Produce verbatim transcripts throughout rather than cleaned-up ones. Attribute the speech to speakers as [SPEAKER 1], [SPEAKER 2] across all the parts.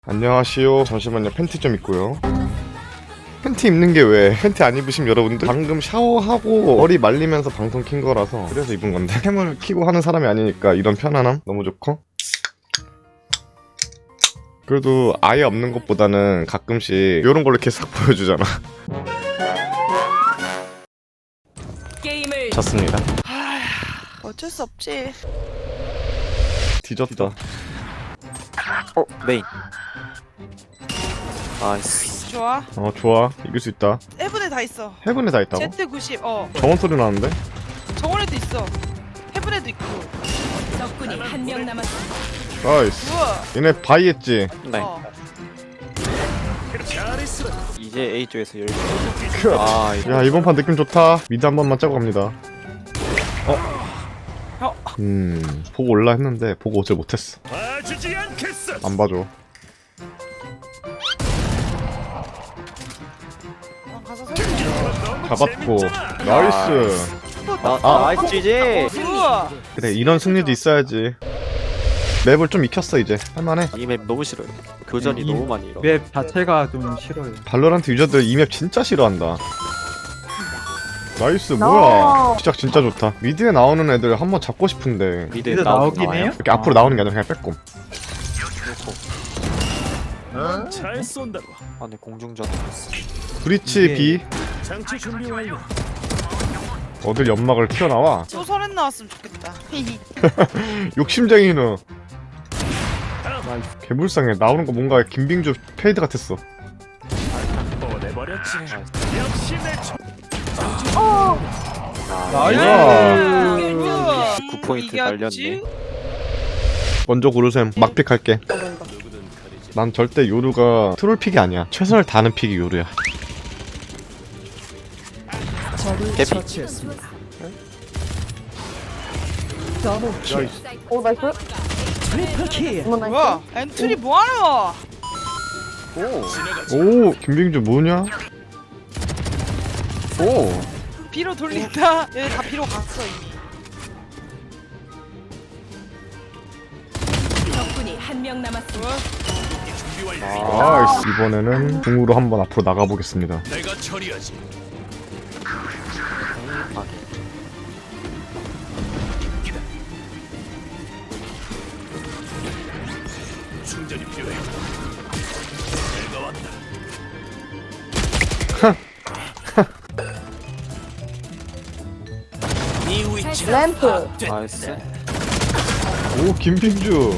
[SPEAKER 1] 안녕하시오. 잠시만요. 팬티 좀 입고요. 팬티 입는 게 왜? 팬티 안 입으시면 여러분들 방금 샤워하고 머리 말리면서 방송 킨 거라서 그래서 입은 건데 캠을 키고 하는 사람이 아니니까 이런 편안함 너무 좋고, 그래도 아예 없는 것보다는 가끔씩 이런 걸로 이렇게 싹 보여주잖아.
[SPEAKER 2] 게임을
[SPEAKER 1] 졌습니다.
[SPEAKER 3] 어쩔 수 없지.
[SPEAKER 1] 뒤졌다.
[SPEAKER 4] 어 메인. 나이스.
[SPEAKER 3] 좋아.
[SPEAKER 1] 어 좋아. 이길 수 있다.
[SPEAKER 3] 해븐에 다 있어.
[SPEAKER 1] 헤븐에 다 있다고?
[SPEAKER 3] 제트 구십. 어.
[SPEAKER 1] 정원 소리 나는데?
[SPEAKER 3] 정원에도 있어. 해븐에도 있고.
[SPEAKER 2] 적군이 한 명 남았습니다.
[SPEAKER 1] 나이스.
[SPEAKER 3] 우와.
[SPEAKER 1] 얘네 바이 했지?
[SPEAKER 4] 네.
[SPEAKER 3] 어.
[SPEAKER 4] 이제 A 쪽에서 열기.
[SPEAKER 1] 크.
[SPEAKER 4] 아 이거
[SPEAKER 1] 야 이번 판 느낌 좋다. 미드 한 번만 짜고 갑니다. 어?
[SPEAKER 3] 어.
[SPEAKER 1] 음 보고 올라 했는데 보고 오질 못했어.
[SPEAKER 5] 봐주지 않겠어.
[SPEAKER 1] 안 봐줘.
[SPEAKER 3] 어, 가서 설명.
[SPEAKER 1] 잡았고 나이스.
[SPEAKER 4] 나
[SPEAKER 1] 아.
[SPEAKER 4] 나이스 지지.
[SPEAKER 3] 우와.
[SPEAKER 1] 그래 이런 승리도 있어야지. 맵을 좀 익혔어 이제. 할만해.
[SPEAKER 4] 이 맵 너무 싫어요. 교전이
[SPEAKER 6] 이-
[SPEAKER 4] 너무 많이 일어.
[SPEAKER 6] 맵 자체가 좀 싫어요.
[SPEAKER 1] 발로란트 유저들 이 맵 진짜 싫어한다. 나이스 뭐야. 시작 진짜 좋다. 미드에 나오는 애들 한번 잡고 싶은데
[SPEAKER 4] 미드
[SPEAKER 6] 미드
[SPEAKER 4] 나오긴
[SPEAKER 6] 나오긴
[SPEAKER 4] 나와요.
[SPEAKER 6] 해요?
[SPEAKER 1] 이렇게 앞으로 나오는 게 아니라 그냥 빼꼼.
[SPEAKER 5] 잘 쏜다고.
[SPEAKER 4] 아 네 공중전.
[SPEAKER 1] 브리치
[SPEAKER 6] 이게-
[SPEAKER 1] B
[SPEAKER 5] 장치 준비 완료.
[SPEAKER 1] 어딜 연막을 튀어나와.
[SPEAKER 3] 또 설엔 나왔으면 좋겠다. 히히.
[SPEAKER 1] 욕심쟁이는 개불쌍해. 나오는 거 뭔가 김빙주 페이드 같았어.
[SPEAKER 5] 보내버렸지. 역시 내 총.
[SPEAKER 6] 나이스.
[SPEAKER 3] 우와.
[SPEAKER 4] 구 포인트
[SPEAKER 3] 이겼지?
[SPEAKER 4] 날렸네.
[SPEAKER 1] 먼저 고르셈. 막픽 할게. 난 절대 요루가 트롤픽이 아니야. 최선을 다하는 픽이 요루야.
[SPEAKER 4] 개피.
[SPEAKER 7] 오 나이스. 어머 나이스.
[SPEAKER 3] 뭐야? 엔트리 뭐하노?
[SPEAKER 4] 오.
[SPEAKER 1] 오 김빙주 뭐냐? 오
[SPEAKER 3] 비로 돌린다. 얘네 다 비로 갔어 이미.
[SPEAKER 2] 적군이 한 명 남았습니다.
[SPEAKER 3] 우와.
[SPEAKER 1] 나이스. 이번에는 궁으로 한번 앞으로 나가보겠습니다.
[SPEAKER 5] 내가 처리하지. 충전이 필요해. 내가 왔다. 네 위치.
[SPEAKER 7] 램프.
[SPEAKER 4] 나이스.
[SPEAKER 1] 오 김빙주.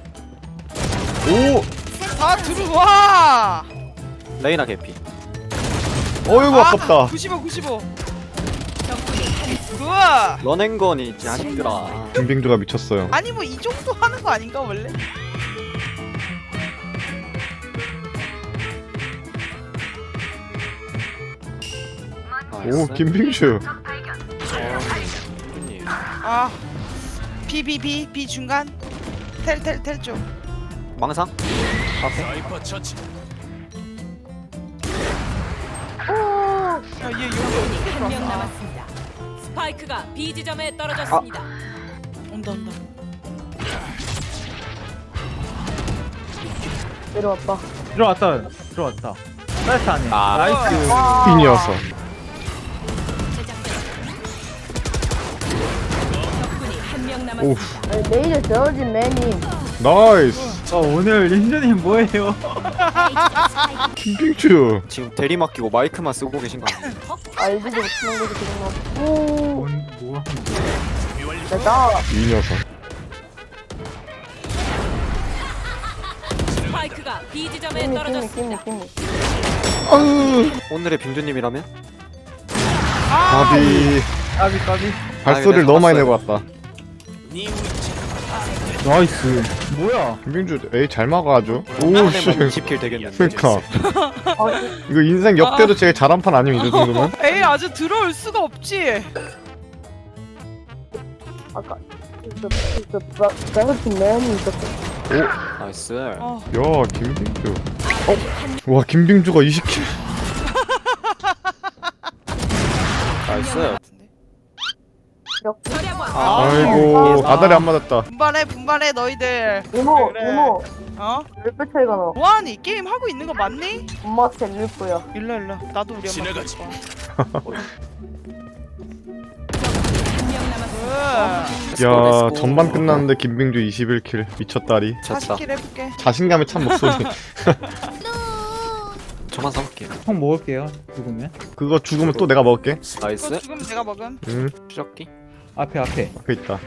[SPEAKER 1] 오
[SPEAKER 3] 다 들어와.
[SPEAKER 4] 레이나 개피.
[SPEAKER 1] 어이구 아깝다.
[SPEAKER 3] 구십오 구십오.
[SPEAKER 2] 적군이 한
[SPEAKER 3] 우와.
[SPEAKER 4] 런앤건이 자식들아.
[SPEAKER 1] 김빙주가 미쳤어요.
[SPEAKER 3] 아니 뭐 이 정도 하는 거 아닌가 원래?
[SPEAKER 1] 오 김빙주.
[SPEAKER 3] 아. B B B B 중간. 텔 텔 텔 쪽.
[SPEAKER 4] 망상? 앞에.
[SPEAKER 5] 사이퍼 처치.
[SPEAKER 3] 야, 얘 여기 어떻게
[SPEAKER 2] 한 명
[SPEAKER 3] 들어왔어?
[SPEAKER 2] 남았습니다. 스파이크가 B 지점에 떨어졌습니다.
[SPEAKER 3] 온다 온다.
[SPEAKER 7] 내려왔다.
[SPEAKER 6] 들어왔다. 들어왔다. 사이트 안에.
[SPEAKER 4] 아.
[SPEAKER 6] 나이스.
[SPEAKER 1] 핀이어서.
[SPEAKER 2] 적군이 한 명
[SPEAKER 1] 오
[SPEAKER 2] 남았습니다.
[SPEAKER 7] 아니, 레이저 저어진 매님.
[SPEAKER 1] 나이스.
[SPEAKER 6] 어, 오늘 린저님 뭐예요?
[SPEAKER 1] 김빙주.
[SPEAKER 4] 지금 대리 맡기고 마이크만 쓰고 계신 거 아니에요?
[SPEAKER 7] 알지도 못하는 거지 지금 막. 오.
[SPEAKER 6] 뭔, 뭐 하는 거야?
[SPEAKER 7] 내가
[SPEAKER 1] 이 녀석.
[SPEAKER 2] 스파이크가 B 지점에
[SPEAKER 7] 끼미 끼미
[SPEAKER 2] 떨어졌습니다.
[SPEAKER 7] 끼미 끼미.
[SPEAKER 1] 아으
[SPEAKER 4] 오늘의 빙주님이라면?
[SPEAKER 1] 바비.
[SPEAKER 6] 까비, 까비.
[SPEAKER 1] 발소리를
[SPEAKER 4] 아,
[SPEAKER 1] 너무 많이
[SPEAKER 4] 봤어요.
[SPEAKER 1] 내고 왔다.
[SPEAKER 5] 네 위치.
[SPEAKER 6] 나이스. 뭐야?
[SPEAKER 1] 김빙주 에이 잘 막아 아주.
[SPEAKER 4] 한
[SPEAKER 1] 오씨.
[SPEAKER 4] 대만 이십 킬 되겠는데.
[SPEAKER 1] 그러니까
[SPEAKER 7] 아,
[SPEAKER 1] 이거 인생 역대로 제일 잘한 판 아니면 이 정도면?
[SPEAKER 3] 에이 아주 들어올 수가 없지.
[SPEAKER 7] 아까 저, 저, 저, 저어진 매님 있었어.
[SPEAKER 4] 나이스.
[SPEAKER 3] 어.
[SPEAKER 1] 야 김빙주. 어? 와 김빙주가 이십 킬.
[SPEAKER 4] 나이스.
[SPEAKER 7] 벽.
[SPEAKER 2] 절약왕.
[SPEAKER 4] 아,
[SPEAKER 1] 아이고 아다리 안 맞았다.
[SPEAKER 3] 분발해 분발해 너희들.
[SPEAKER 7] 이모,
[SPEAKER 3] 그래.
[SPEAKER 7] 이모.
[SPEAKER 3] 어?
[SPEAKER 7] 몇 배 차이가 나?
[SPEAKER 3] 뭐하니? 게임 하고 있는 거 맞니?
[SPEAKER 7] 엄마 제일 거야.
[SPEAKER 3] 일로 일로. 나도 우리 엄마
[SPEAKER 5] 지나가지.
[SPEAKER 3] 볼
[SPEAKER 2] 한명 남았습니다.
[SPEAKER 3] 거야.
[SPEAKER 1] 야 전반 끝났는데 김빙주 이십일 킬 미쳤다리.
[SPEAKER 4] 졌다.
[SPEAKER 3] 사십 킬 해볼게.
[SPEAKER 1] 자신감에 찬 목소리.
[SPEAKER 4] 저만 사볼게요.
[SPEAKER 6] 형 먹을게요. 죽으면.
[SPEAKER 1] 그거 죽으면 또 내가 먹을게.
[SPEAKER 3] 또
[SPEAKER 4] 나이스.
[SPEAKER 3] 죽으면 내가 먹음.
[SPEAKER 1] 응
[SPEAKER 4] 추적기.
[SPEAKER 6] 앞에 앞에.
[SPEAKER 1] 앞에 있다.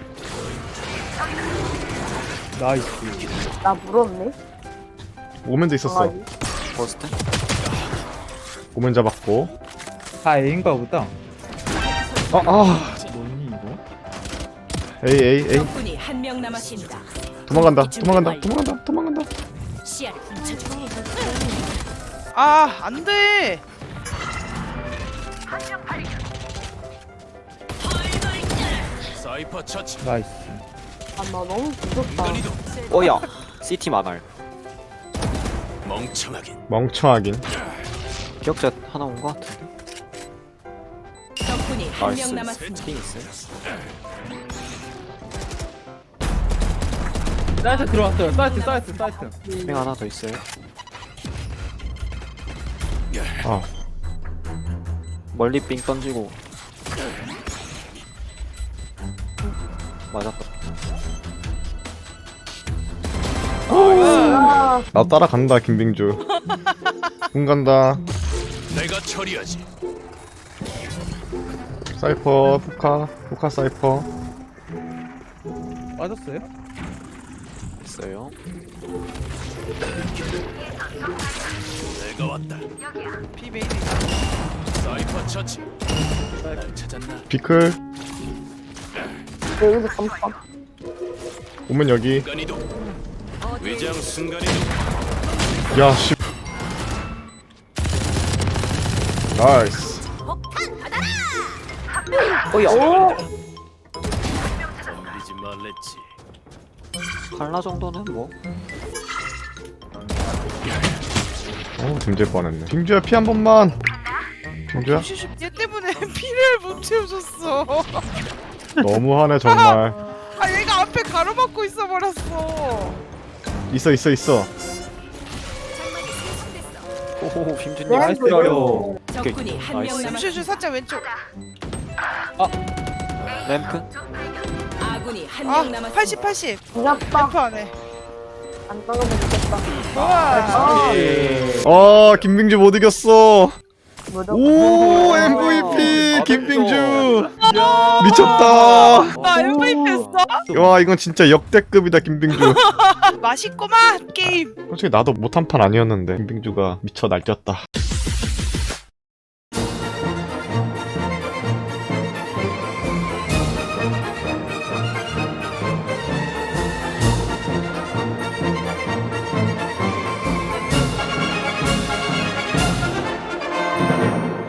[SPEAKER 6] 나이스.
[SPEAKER 7] 나 물었네.
[SPEAKER 1] 오면도 있었어.
[SPEAKER 7] 아,
[SPEAKER 4] 버스트.
[SPEAKER 1] 오면 잡았고.
[SPEAKER 6] 다 A인가 보다.
[SPEAKER 1] 아 아.
[SPEAKER 6] 뭐니 이거?
[SPEAKER 1] 에이 에이 에이.
[SPEAKER 2] 적군이 한 명 남았습니다.
[SPEAKER 1] 도망간다 도망간다 도망간다 도망간다.
[SPEAKER 2] 시야를 훔쳐주지.
[SPEAKER 3] 아 안돼.
[SPEAKER 5] 사이퍼 처치.
[SPEAKER 6] 나이스.
[SPEAKER 7] 아, 나 너무 무섭다.
[SPEAKER 5] 순간이동.
[SPEAKER 4] 어야. C팀 안할.
[SPEAKER 5] 멍청하긴.
[SPEAKER 1] 멍청하긴.
[SPEAKER 4] 기억자 하나 온 거 같은데.
[SPEAKER 2] 적군이 한 명
[SPEAKER 4] 나이스.
[SPEAKER 2] 남았습니다.
[SPEAKER 4] 핑 있어요.
[SPEAKER 6] 사이트 들어왔어요. 사이트 사이트 사이트.
[SPEAKER 4] 핑 하나 더 있어요.
[SPEAKER 1] 아
[SPEAKER 4] 멀리 삥 던지고. 맞았다.
[SPEAKER 7] 아,
[SPEAKER 1] 나 따라간다 김빙주. 군 간다.
[SPEAKER 5] 내가 처리하지.
[SPEAKER 1] 사이퍼 포카 포카 사이퍼.
[SPEAKER 6] 맞았어요?
[SPEAKER 4] 있어요.
[SPEAKER 5] 내가 왔다.
[SPEAKER 3] 비베이비.
[SPEAKER 5] 사이퍼 처치. 날 찾았나?
[SPEAKER 1] 비클
[SPEAKER 7] 내 여기서 잠깐.
[SPEAKER 1] 오면 여기.
[SPEAKER 5] 순간이동. 위장 순간이동.
[SPEAKER 1] 야씨. 나이스.
[SPEAKER 4] 어야.
[SPEAKER 5] 덤비지 말랬지.
[SPEAKER 4] 칼라 정도는 뭐.
[SPEAKER 1] 어 등질 뻔했네. 빙주야 피 한 번만. 빙주야
[SPEAKER 3] 슈슈 얘 때문에 피를 못 채워줬어.
[SPEAKER 1] 너무하네 정말.
[SPEAKER 3] 아 얘가 앞에 가로막고 있어 버렸어.
[SPEAKER 1] 있어 있어 있어.
[SPEAKER 4] 오호 빔준님.
[SPEAKER 7] 네,
[SPEAKER 6] 나이스
[SPEAKER 7] 그래요.
[SPEAKER 6] 요
[SPEAKER 2] 적군이 한 명
[SPEAKER 4] 나이스.
[SPEAKER 3] 슈슈
[SPEAKER 2] 남았습니다.
[SPEAKER 3] 살짝 왼쪽.
[SPEAKER 4] 램프.
[SPEAKER 2] 아군이 한 명
[SPEAKER 3] 아
[SPEAKER 2] 남았습니다.
[SPEAKER 3] 팔십 팔십.
[SPEAKER 7] 무섭다.
[SPEAKER 3] 램프 안에.
[SPEAKER 7] 안 떠가면 되겠다.
[SPEAKER 3] 좋아.
[SPEAKER 1] 어 김빙주 못 이겼어.
[SPEAKER 7] 무조건.
[SPEAKER 1] 오 엠브이피 김빙주. 미쳤다.
[SPEAKER 3] 나 엠브이피 했어?
[SPEAKER 1] 와 이건 진짜 역대급이다 김빙주.
[SPEAKER 3] 맛있구만 게임.
[SPEAKER 1] 솔직히 나도 못한 판 아니었는데 김빙주가 미쳐 날뛰었다.